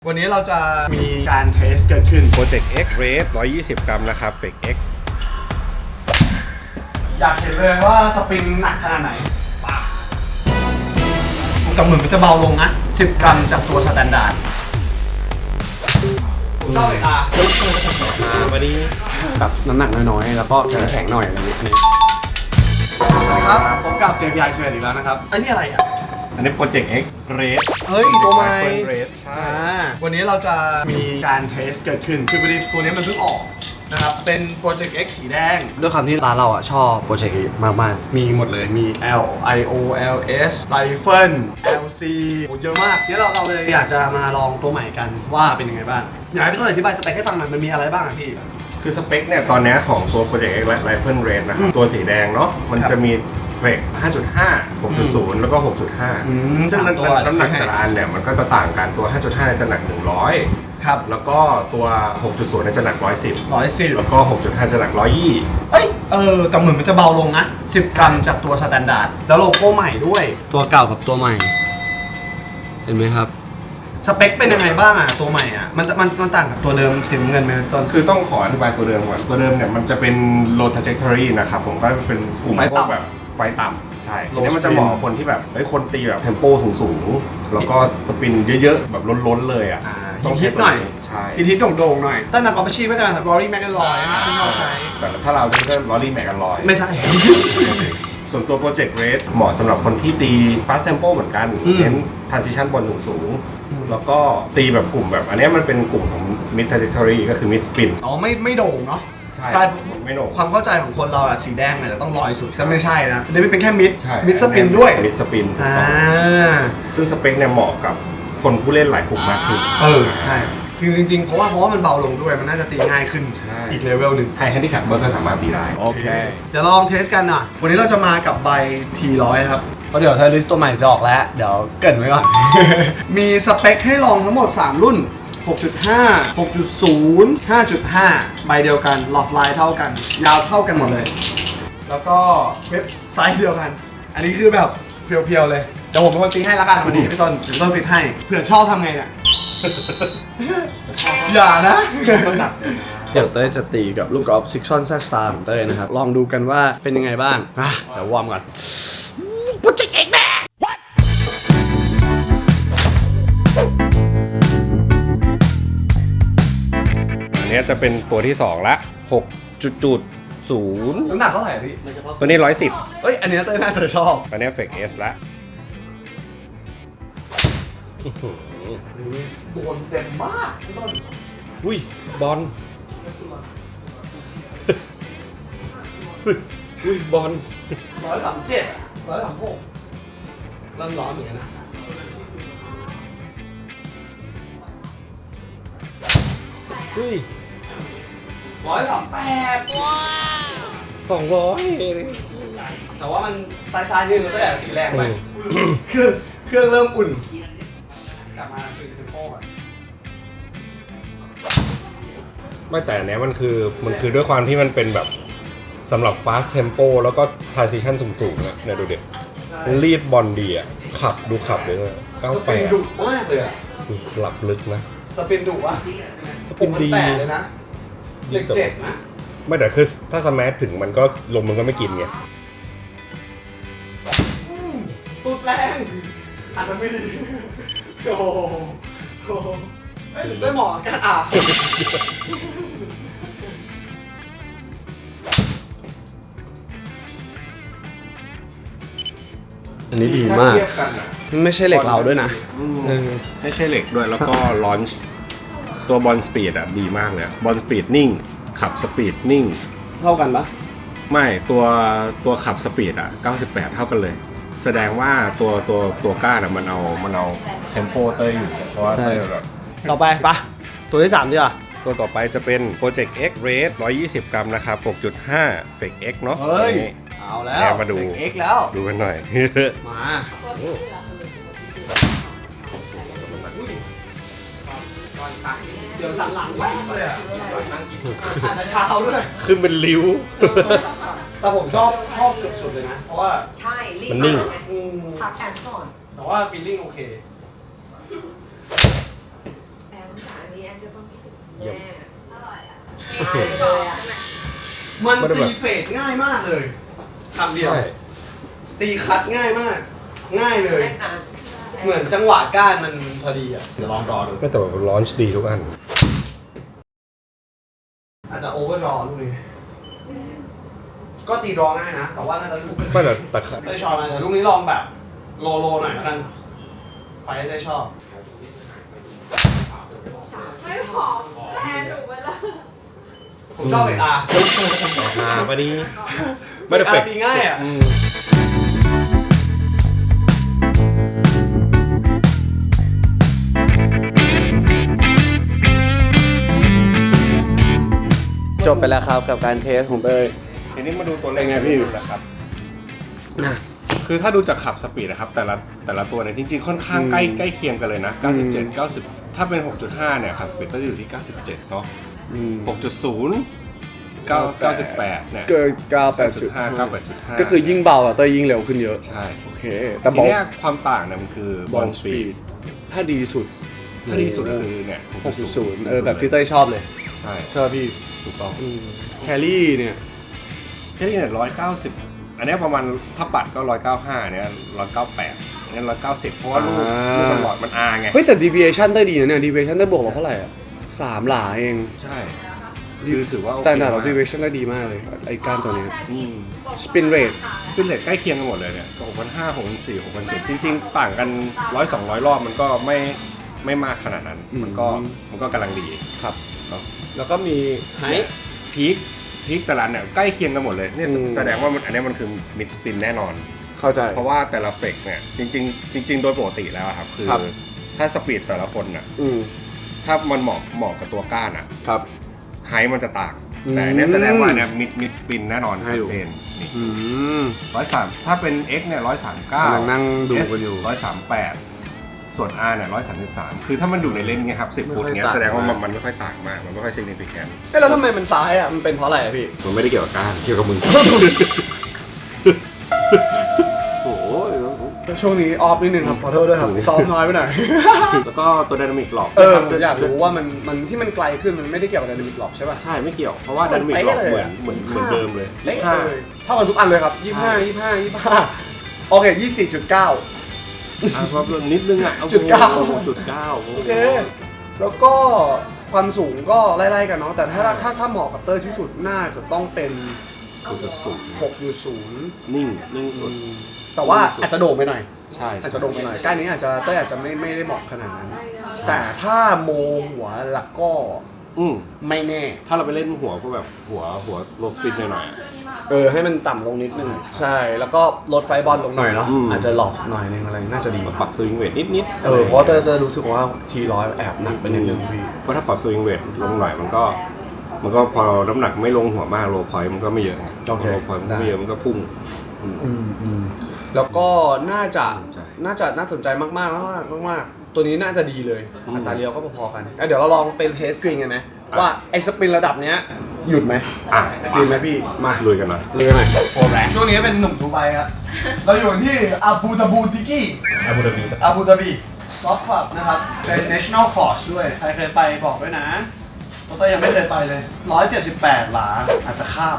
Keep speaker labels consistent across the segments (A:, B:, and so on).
A: วันนี้เราจะมีการเทสเกิดขึ้น
B: Project X Race 120 กรัมนะครับ Fake X
A: อยากเห็นเลยว่าสปริงหนักขนาดไหนแต่เหมือนมันจะเบาลงนะ10 กรัมจากตัวสแตนดาร์ดชอบเลย
B: วันนี้แบบน้ำหนักน้อยๆ แล้วก็แข็งๆหน่อยอะไรอย่างเงี้ย
A: ครับพบกับเจมส์ยายเชอีกแล้วนะครับอันนี้อะไรอ่ะ
B: อันนี้ Project X Race
A: เฮ้ยตัวใหม่
B: Race ใช่
A: วันนี้เราจะมีการเทสเกิดขึ้นคือพอดีตัวนี้มันเพิ่งออกนะครับเป็น Project X สีแดงด้วยความที่ร้านเราอ่ะชอบ Project X มากๆมีหมดเลยมี L I O L S Rifle L C เยอะมากเดี๋ยวเราเลยอยากจะมาลองตัวใหม่กันว่าเป็นยังไงบ้างอยากให้พี่ต้นอธิบายสเปคให้ฟังหน่อยมันมีอะไรบ้างอ่ะพี่
B: คือสเปคเนี่ยตอนนี้ของตัว Project X Rifle Race นะครับตัวสีแดงเนาะมันจะมีเฟก 5.5 6.0 แล้วก็ 6.5 ซึ่งน้ำหนักแต่ละอันเนี่ยมันก็จะต่างกันตัว 5.5 จะหนัก 100
A: ครับ
B: แล้วก็ตัว 6.0 เนี่ยจะหนัก 110 แล้วก็ 6.5 จะหนัก 120
A: เอ้ยแต่เหมือนมันจะเบาลงนะ10 กรัมจากตัวสแตนดาร์ดแล้วโลโก้ใหม่ด้วย
C: ตัวเก่ากับตัวใหม่เห็นไหมครับ
A: สเปคเป็นยังไงบ้างอ่ะตัวใหม่อ่ะมันต่างกับตัวเดิมสีเงินไหมต้น
B: คือต้องขออธิบายตัวเดิมก่อนตัวเดิมเนี่ยมันจะเป็น low trajectory นะครับผมก็เป็นกลุ่มพวกแบบไฟต่ำใช่ทีนี้มันจะเหมาะกับคนที่แบบคนตีแบบเทมโปสูงๆแล้วก็สปินเยอะๆแบบล้นๆเลยอ่ะ
A: ต้องฮิตหน่อย
B: ใช่
A: ฮิตโด่งๆหน่อยถ้านักกอล์ฟอาชีพก็จะเป็นรอรี่แมคแอนลอยที่เราใช้
B: แต่ถ้าเราก็ลอรี่แมคแอนลอย
A: ไม่ใช่
B: ส่วนตัว Project Race เหมาะสำหรับคนที่ตี fast tempo เหมือนกันเน้น transition บอลสูงๆแล้วก็ตีแบบกลุ่มแบบอันนี้มันเป็นกลุ่มของ mid trajectory ก็คือ mid spin
A: อ๋อไม่โด่งเนาะ
B: ใช่ไม่โด่ง
A: ความเข้าใจของคนเราอะสีแดงเนี่ยจะต้องลอยสุดแต่ไม่ใช่นะอันนี้เป็นแค่มิดสปิน
B: ด้
A: ด้วย
B: มิดสปินซึ่งสเปคเนี่ยเหมาะกับคนผู้เล่นหลายกลุ่มมากขึ้น
A: ใช่จริงเพราะว่ามันเบาลงด้วยมันน่าจะตีง่ายขึ้นอีกเลเวลหนึ่ง
B: ไฮแฮนดี้แคปเบอร์ก็สามารถตีได้
A: โอเคเดี๋ยวเราลองเทสกันนะวันนี้เราจะมากับใบ T100 ครับ
C: เพราะเดี๋ยวไทลิสตัวใหม่จะออกแล้วเดี๋ยว
A: เกริ่นไว้ก่อน มีสเปคให้ลองทั้งหมด3รุ่น6.5 6.0 5.5 ใบเดียวกันหลอดไลน์เท่ากันยาวเท่ากันหมดเลยแล้วก็เว็บไซต์เดียวกันอันนี้คือแบบเพียวๆเลยเดี๋ยวผมเป็นคนตีให้ละกันวันนี้พี่ต้นฟิตให้เผื่อชอบทำไงเนี่ย อย่านะ
C: เดี๋ยวเต้ยจะตีกับลูกกอล์ฟซิกซอนแซสตาร์ของเต้ยนะครับลองดูกันว่าเป็นยังไงบ้างเดี๋ยววอร์มก่อนโปรเจกต์เอ็กแม่
B: อันนี้จะเป็นตัวที่2ละ6.0
A: น้ำหนักเท่าไหร่พี่
B: ตัวนี้110
A: เอ้ยอันนี้เต้ยน่าจะชอบ
B: อันนี้เฟกเอสละ
A: โดนเต็มมากพี่ต้น
B: อุ้ยบอลอุ้ยบอล
A: 137 136เริ่มร้อนเหมือนกันนะ
B: อุ้ย
A: 138ว้าว
B: 200
A: แต่ว่ามันซ้ายๆนิดนึงก็แต่ตีแรงไปเครื่องเริ่มอุ่นกลับมาซื้อเทมโป้ก่อน
B: ไม่แต่อันนี้มันคือด้วยความที่มันเป็นแบบสำหรับ fast tempo แล้วก็ transition สูงๆนะเนี่ยดูเด็กรีดบอลดีอ่ะขับเลยนะ
A: 98ดุมากเลยอ่ะ
B: หลับลึกนะ
A: สปินดุวะ
B: สปินดี
A: เลยนะเลข7นะ
B: ไม่แต่คือถ้าสแมชถึงมันก็ลมมันก็ไม่กินไง
A: ตุดแรงอาจจะไม่ดีโอ้โหได้หมอกัน
C: อันนี้ดีมากไม่ใช่เหล็กเราด้วยนะ
B: ไม่ใช่เหล็กด้วยแล้วก็ลอนช์ตัวบอลสปีดอ่ะดีมากเลยบอลสปีดนิ่งขับสปีดนิ่ง
C: เท่ากันปะ
B: ไม่ตัวขับสปีดอ่ะ98เท่ากันเลยแสดงว่าตัวก้านอ่ะมันเอาเทมโปเต้ยอยู่เพราะว่าเต้ยแบบ
C: ต่อไปปะตัวที่3ดีกว่า
B: ตัวต่อไปจะเป็น Project X Race 120 กรัมนะครับ 6.5 Fake X เนาะ
A: เฮ้ยเอาแล้ว
B: มาดู
A: X แล้ว
B: ดูกันหน่อย
A: มาเสียวสันหลังแหวกเลยอ่ะอาจจะเช้าด้วย
B: ขึ้นเป็นริ้ว
A: แต่ผมชอบเกือบสุดเลยนะเพราะว่า
D: ใช่
B: มันนิ่ง
D: พักแอนก่อน
A: แต่ว่าฟีลลิ่งโอเค
D: นี้แอนจะต้องคิดถึง
B: เยี่ยม
D: แม่
B: โอเค
D: เลยอ่ะ
A: มัน
B: ไม่ได้แบ
A: ตี
B: บ
A: เฟดง่ายมากเลยคำเดียว
B: ใช่
A: ตีคัดง่ายมาก ง่ายเลย
D: แม่นาน
A: เหมือนจังหวะก้านมันพอดีอ่ะ เดี๋ยวลองรอดู
B: ไม่แต่ว่าลอนช์ดีทุกอัน
A: อาจจะโอเวอร์รอลูกนี้ ก็ตีรอง่ายนะ แต่ว่าน่าจะลูก
B: ไม่แต่แต่
A: ได้ชอบนะเดี๋ยวลูกนี้ลองแบบโลหน่อยแล้วกัน ไฟได้ชอบ
D: ไม่หอมแอนหนูไปแล้ว
A: ผมชอบเอกอา
B: พอดีไม่ได้เฟก
A: ตีง่ายอ่ะ
C: จบไปแล้วครับกับการเทสของเต้ย
B: ทีนี้มาดูตัวเลข
C: เป็นไงพี่
B: นะครับ
C: นะ
B: คือถ้าดูจากขับสปีดนะครับแต่ละตัวเนี่ยจริงๆค่อนข้างใกล้เคียงกันเลยนะ 97 90 ถ้าเป็น 6.5 เนี่ยขับสปีดก็จะอยู่ที่ 97 เนาะ 6.0 98 เนี่ย
C: เกิน
B: 98.5 98.5
C: ก็คือยิ่งเบาอะเต้ยยิ่งเร็วขึ้นเยอะ
B: ใช่
C: โอเค แต่
B: ที
C: บอก
B: เนี้ยความต่างเนี่ยมันคือบอลสปีด
C: ถ้าดีสุด
B: ถ้าดีสุดก็คือเนี่ย
C: 6.0 แบบที่เต้ยชอบเลย
B: ใช่
C: ชอบพี่
B: ถูกต้อง
C: แครี่เนี่ย
B: แค่นี้เนี่ย190 อันเนี้ยประมาณถ้าปัดก็195เนี่ย198อันนี้190 เพราะว่าลูกมันหลอดมันอาไง
C: เฮ้ยแต่ deviation ได้ดีนะเนี่ย deviation ได้บวกเราเท่าไหร่อ่ะ3 หลาเอง
B: ใช่คือถือว่าโอเค
C: standard of
B: มาก
C: deviation ได้ดีมากเลย ไอ้ก้านตัวเนี้ย
B: อืม
C: spin rate
B: ขึ้นเลทใกล้เคียงกันหมดเลยเนี่ย6,500 6,400 6,700จริงๆ ต่างกัน100-200 รอบมันก็ไม่มากขนาดนั้น มันก็กำลังดี
C: ครับ
B: เนาะ
C: แล้วก็มีไฮ
B: พีคแต่ละอันเนี่ยใกล้เคียงกันหมดเลยเนี่ยแสดงว่าอันนี้มันคือมิดสปินแน่นอน
C: เข้าใจ
B: เพราะว่าแต่ละเฟกเนี่ยจริงๆโดยปกติแล้วอะครับคือ
C: ครับ
B: ถ้าสปีดแต่ละคนน่ะ
C: อืม ถ้า
B: ถ้ามันเหมาะกับตัวก้านอ่ะ
C: ครับ
B: ไฮมันจะต่าง
C: อืม
B: แต่เนี่ยแสดงว่าเนี่ยมิดสปินแน่นอน
C: ให้
B: ชัด
C: ดู
B: เจนนี่
C: อืม
B: 103ถ้าเป็น X เนี่ย139
C: กำลังนั่งดูกันอยู่
B: 138 ส่วน R เนี่ย133คือถ้ามันอยู่ในเลนส์เงี้ยครับ10 ฟุต
C: ไม่ค่อย
B: เงี้ย
C: ต่าง
B: แสดงว่า
C: มา
B: มันไม่ค่อยต่างมากมันไม่ค่อย significant
C: เอ้แล้วทำไมมันซ้ายอ่ะ มันเป็นเพราะอะไรอ่ะพี่
B: มันไม่ได้เกี่ยวกับก้านเกี่ยวกับมึง
C: โอ้ยช่วงนี้ออฟนิดนึงครับ ขอโทษด้วยครับ ซ้อมน้อยไปหน่อย
B: แล้วก็ตัว Dynamic Lock
C: ผมอยากรู้ว่ามันที่มันไกลขึ้นมันไม่ได้เกี่ยวกับ Dynamic Lock ใช่ป่ะ
B: ใช่ไม่เกี่ยวเพราะว่า
C: มัน
B: Dynamic
C: เป๊ะ
B: Lock
C: เลย
B: เห
C: อะ
B: มือนเดิมเลย
C: เละเลยเท่ากันทุกอันเลยครับ 25 โอเค 24.9
B: เพราะนิดนึงอ่ะ
C: จุดเก้า
B: 9
C: โอเค แล้วก็ความสูงก็ไล่ๆกันเนาะ แต่ถ้าเหมาะกับเตอร์ที่สุดน่าจะต้องเป็น 6.0
B: นิ่งสุด
C: แต่ว่าอาจจะโด่งไปหน่อย
B: ใช่
C: อาจจะโด่งไปหน่อยก้านนี้อาจจะเต้ยอาจจะไม่ได้เหมาะขนาดนั้น แต่ถ้าโมหัวแล้วก็ ไม่แน่
B: ถ้าเราไปเล่นหัวก็แบบหัวโลสปินหน่อยๆอะ
C: ให้มันต่ำลงนิดนึง ใช่ แล้วก็ลดไฟบอลลงหน่อยเนาะ
B: อืม
C: อาจจะหลอฟหน่อยนึงอะไร น่าจะดี
B: ปรับสวิงเวทนิดๆ
C: เพราะเต้ยรู้สึกว่าT100แอบหนักไปนิดนึงพี่
B: เพราะถ้าปรับสวิงเวทลงหน่อยมันก็พอน้ำหนักไม่ลงหัวมากโลพอยต์มันก็ไม่เยอะ
C: โอเค
B: โลพอยต์มันก็ไม่เยอะมันก็พุ่ง
C: แล้วก็น่าจะ
B: ใช่
C: น่าสนใจมากๆตัวนี้น่าจะดีเลย อัตราเลี้ยวก็พอๆกันเดี๋ยวเราลองเป็นเทสกรีนกันไหมว่าไอ้สปินระดับเนี้ยหยุดไหม หยุดไหมพี่ มา
B: ลุยกันหน่อย
C: ลุยกันหน่อย
A: ช่วงนี้เป็นหนุ่มดูไบครับ เราอยู่ที่อาบูดาบูติกี้
B: อาบูดาบี
A: อาบูดาบีซอฟต์คลับนะครับ เป็น national course ด้วย ใครเคยไปบอกด้วยนะตัวต้ยังไม่เคยไปเลย 178 หลา อาจจะข้าม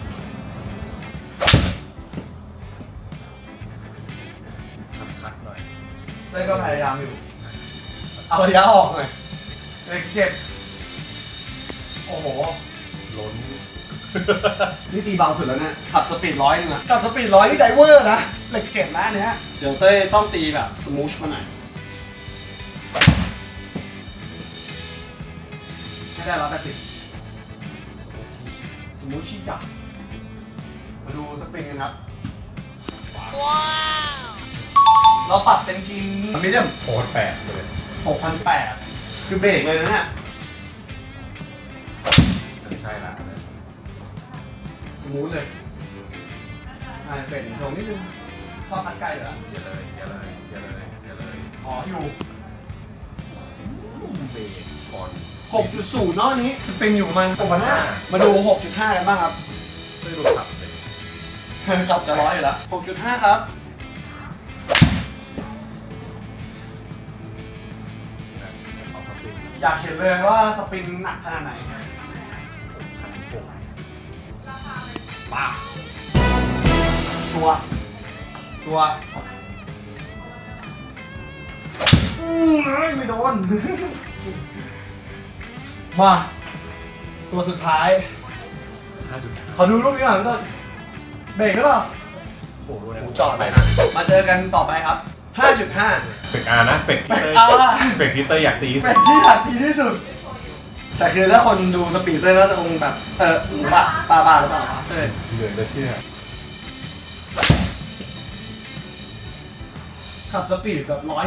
B: คัดหน่อย
A: เต้ยก็พยายามอยู่ เอาระยะออกหน่อยเลขเจ็ดโอ้โห
B: ล้น
A: นี่ตีเบาสุดแล้วเนี่ย ขับสปีด100นึงอะขับสปีด100นี่ไดเวอร์นะเหล็กเจ็ดนะอันเนี้ยเดี๋ยวเต้ยต้องตีแบบสมูชมาหน่อยให้ได้180สมูชชิดะมาดูสปริงกันครับ ว้าว เราปรับเป็นกินมิเดียม
B: โคตรแปลกเลย
A: 6,800 คือเบรกเลยนะเนี่ย
B: ใช่ละ
A: สมูทเลยเฟรนตรงนิดนึงชอบพัดไกลเหรอ
B: อย่าเลย
A: ขออยู่
B: เบรกก่อน
A: 6.0 เนาะอันนี้สปริงอยู่ประมาณ6,500มาดู 6.5 กันบ้างครับ
B: ไม่รู้ขับเลย
A: จับจะร้อยอยู่แล้ว 6.5 ครับ
B: เอาขับจริง
A: อยากเห็นเลยว่าสปริงหนักขนาดไหนป้าชัวร์ไม่โดน มาตัวสุดท้ายขอดูรูปนี้ก่อนก็เบรกหรือเปล่า
B: โอ้โห
A: หูจอดไปนะ มาเจอกันต่อไปครับ 5.5
B: เฟกอาร์นะเฟกที่เตอร์
A: เอาล่ะ
B: เฟกที่เตอร์อยากตี
A: เป็นที่หักทีที่สุด แต่คือถ้าคนดูสปีดเตอร์ก็จะคงแบบหรือเปล่าบ้าหรือเปล่าเออ
B: เหนื่อยจะเชื่อ
A: ขับสปีดแบบ101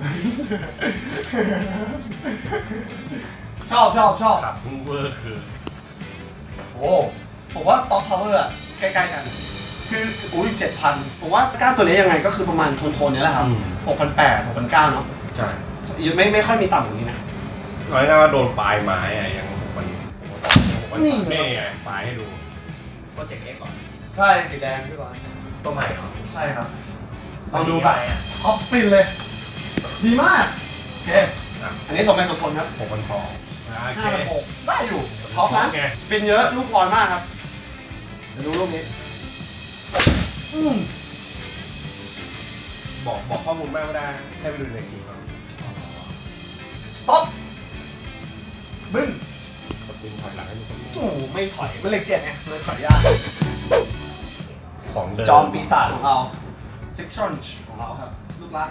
A: ชอบ
B: ขับพุ่งเวอร์คือ
A: โอ้ผมว่า Stock Power อะใกล้ๆกัน คืออุ้ย7,000 ผมว่าก้านตัวนี้ยังไงก็คือประมาณโทนๆนี้แหละครับ 6,800 6,900 เนาะ
B: ใช่
A: ยังไม่ค่อยมีต่ำกว่านี้นะ
B: เอาง่ายๆว่าโดนปลายไม้อะยังมัน
A: นี่
B: นี่ไงปลายให้ดู
E: โปรเจกต์ X ก่อน
A: ใช่สีแดงพี่บอล
E: ตัวใหม่เหรอ
A: ใช่ครับลองดูไปออฟสปินเลย ดีมากโอเคอันนี้สมเหตุสมผลครับ
B: 6,000 ทองโอเค
A: 5,600ได้อยู่ท็อปนะ
B: ไง
A: สปินเยอะลูกบอลมากครับเดี๋ยวดูรูปนี้อืม
B: บอกข้อมูลมากไม่ได้ให้ไปดูในคลิปครับ
A: สต็อปบึ้ง
B: กดดึงถอยหลังให้ดูคน
A: โอ้โหไม่ถอยไม่เลข7ไงเลยถอยยาก
B: ของเดิม
A: จอมปีศาจของเราซิกซ์รอนช์ของเราครับลูกรัก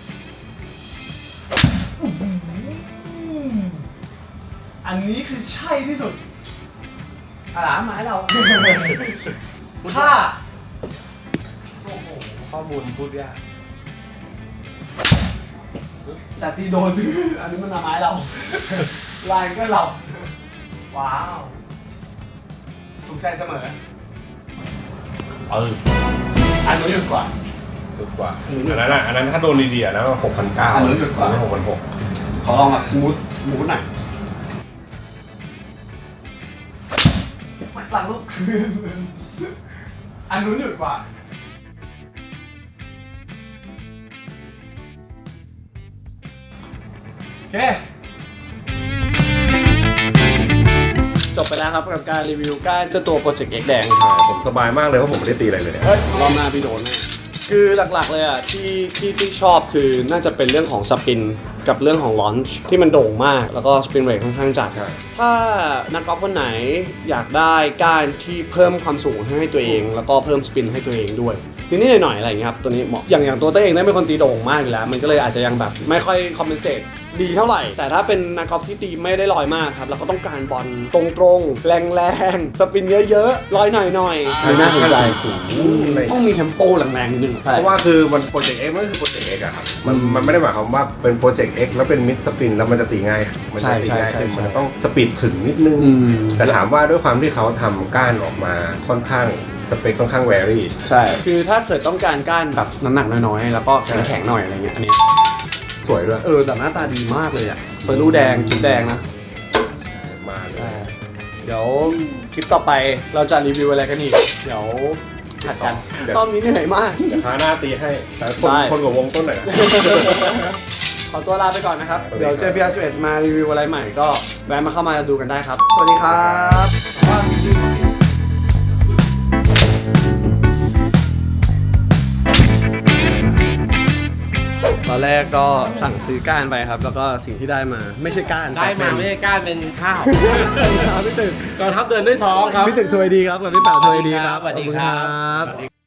A: อันนี้คือใช่ที่สุดอาหลามหมายเราถ้าโอ้โห
B: ข้อมูลพูดยาก
A: แต่ตีโดน อันนี้มันหมายเราลายก็เรา ว้าว ถูกใจเสมอ อันนู้นหยุดกว่า
B: ถูกกว่าอันนั้นถ้าโดนดีๆอะนะมัน6,900
A: อันนั้นหยุดกว่า
B: 6,600
A: ขอลองแบบสมูทหน่อยหลังลูกคืนอันนู้นหยุดกว่า โอเค จบไปแล้วครับกับการรีวิวก้านเจ้าตัวโปรเจกต์ X แดง
B: ใช่ผมสบายมากเลยเพราะผมไม่ได้ตีอะไรเลย
A: เฮ้ยรอบหน้าพี่โดนแน่คือหลักๆเลยอ่ะที่ชอบคือน่าจะเป็นเรื่องของสปินกับเรื่องของลอนช์ที่มันโด่งมากแล้วก็สปินเรทค่อนข้างจัด
B: ใช่
A: ถ้านักกอล์ฟคนไหนอยากได้ก้านที่เพิ่มความสูงให้ตัวเอง แล้วก็เพิ่มสปินให้ตัวเองด้วยนิดๆหน่อยๆอะไรอย่างเงี้ยครับตัวนี้เหมาะอย่างตัวเต้เองได้เป็นคนตีโด่งมากอยู่แล้ว มันก็เลยอาจจะยังแบบไม่ค่อยคอมเพนเซตดีเท่าไหร่ แต่ถ้าเป็นนักกอล์ฟที่ตีไม่ได้ลอยมากครับแล้วก็ต้องการบอลตรงๆแรงๆสปินเยอะๆลอยหน่อยๆน่าสนใจต้องมีเทมโปแรงๆนิดนึง
B: เพราะว่าคือมันโปรเจกต์ X มันคือโปรเจกต์ X อะครับมันไม่ได้หมายความว่าเป็นโปรเจกต์ X แล้วเป็นมิดสปินแล้วมันจะตีง่ายมันจะตีง่ายขึ้นมันจะต้องสปีดถึงนิดนึง แต่ถามว่าด้วยความที่เขาทำก้านออกมาค่อนข้างสเปคค่อนข้างแวรี่
A: ใช่ คือถ้าเกิดต้องการก้านแบบน้ำหนักน้อยๆ แล้วก็แข็งๆหน่อยอะไรเงี้ย อันเนี้ย
B: สวยด้วย
A: แต่หน้าตาดีมากเลยอ่ะเฟอร์รูแดงชุดแดงนะ
B: มาเลย
A: เดี๋ยวคลิปต่อไปเราจะรีวิวอะไรกันอีก เดี๋ยวผัดกันรอบนี้เหนื่อยมาก
B: เดี๋ยวคราวหน้าตีให้แต่คน
A: ได้
B: คนกับวงต้นหน่อยนะ
A: ขอตัวลาไปก่อนนะครับ
B: สวัสดี
A: เดี๋ยวเจอพี่อาร์เมารีวิวอะไรใหม่ก็แวะมาเข้ามาดูกันได้ครับ สวัสดีครับตอนแรกก็สั่งซื้อก้านไปครับ แล้วก็สิ่งที่ได้มาไม่ใช่ก้าน
E: ได้มาไม่
A: แต่
E: ใช่ก้านเป็นข้าว
A: เป็นครับพี่ตึก
E: กองทัพเดินด้วยท้องครับ
A: พี่ตึกถวยดีครับกับพี่เป่าถวยดีครับ
E: สวัสดีครับ
A: ขอบคุณ